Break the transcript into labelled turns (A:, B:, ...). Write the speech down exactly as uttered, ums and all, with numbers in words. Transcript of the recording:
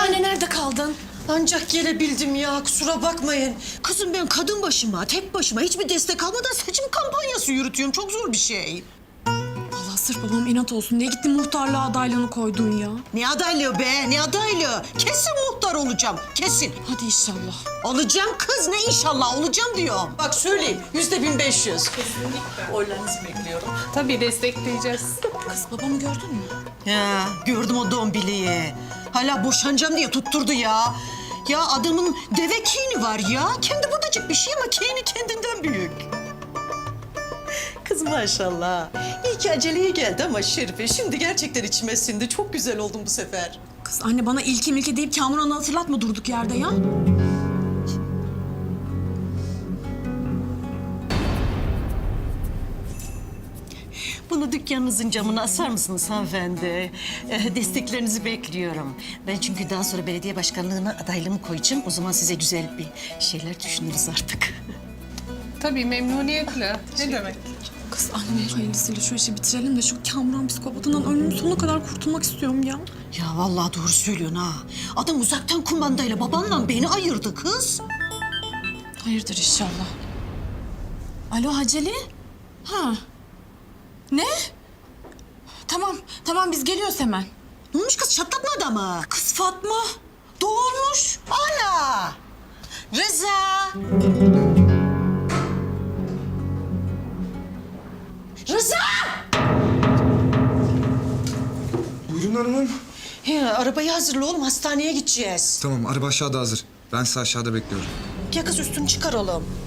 A: Anne nerede kaldın?
B: Ancak gelebildim ya, kusura bakmayın. Kızım ben kadın başıma, tek başıma hiçbir destek almadan seçim kampanyası yürütüyorum. Çok zor bir şey.
A: Allah sırf babam inat olsun diye gittin muhtarlığa adaylığını koydun ya.
B: Ne adaylığı be, ne adaylığı? Kesin muhtar olacağım, kesin.
A: Hadi inşallah.
B: Olacağım kız, ne inşallah olacağım diyor. Bak söyleyeyim, yüzde bin beş yüz.
C: Oylarınızı bekliyorum. Tabii destekleyeceğiz.
A: Kız babamı gördün mü?
B: Ya gördüm o dombiliği. Hala boşanacağım diye tutturdu ya. Ya adamın deve kini var ya. Kendi budacık bir şey ama kini kendinden büyük. Kız maşallah. İyi ki aceleye geldi ama Şerife. Şimdi gerçekten içime sindi. Çok güzel oldum bu sefer.
A: Kız anne bana ilki milki deyip Kamuran'ı hatırlatma durduk yerde ya.
B: Bunu dükkanınızın camına asar mısınız hanımefendi? Ee, desteklerinizi bekliyorum. Ben çünkü daha sonra belediye başkanlığına adaylığımı koyacağım. O zaman size güzel bir şeyler düşünürüz artık.
C: Tabii memnuniyetle. Ne demek?
A: Kız anne hayırlısıyla şu işi bitirelim de şu Kamuran psikopatından ömrümün sonuna kadar kurtulmak istiyorum ya.
B: Ya vallahi doğru söylüyorsun ha. Adam uzaktan kumandayla babanla beni ayırdı kız.
A: Hayırdır inşallah. Alo Haceli? Ha. Ne? Tamam, tamam biz geliyoruz hemen.
B: Ne olmuş kız, çatlatma adamı.
A: Kız Fatma doğurmuş.
B: Ana! Rıza! Rıza!
D: Buyurun hanımım.
B: He, arabayı hazırla oğlum, hastaneye gideceğiz.
D: Tamam, araba aşağıda hazır. Ben sizi aşağıda bekliyorum.
B: Gel kız üstünü çıkaralım.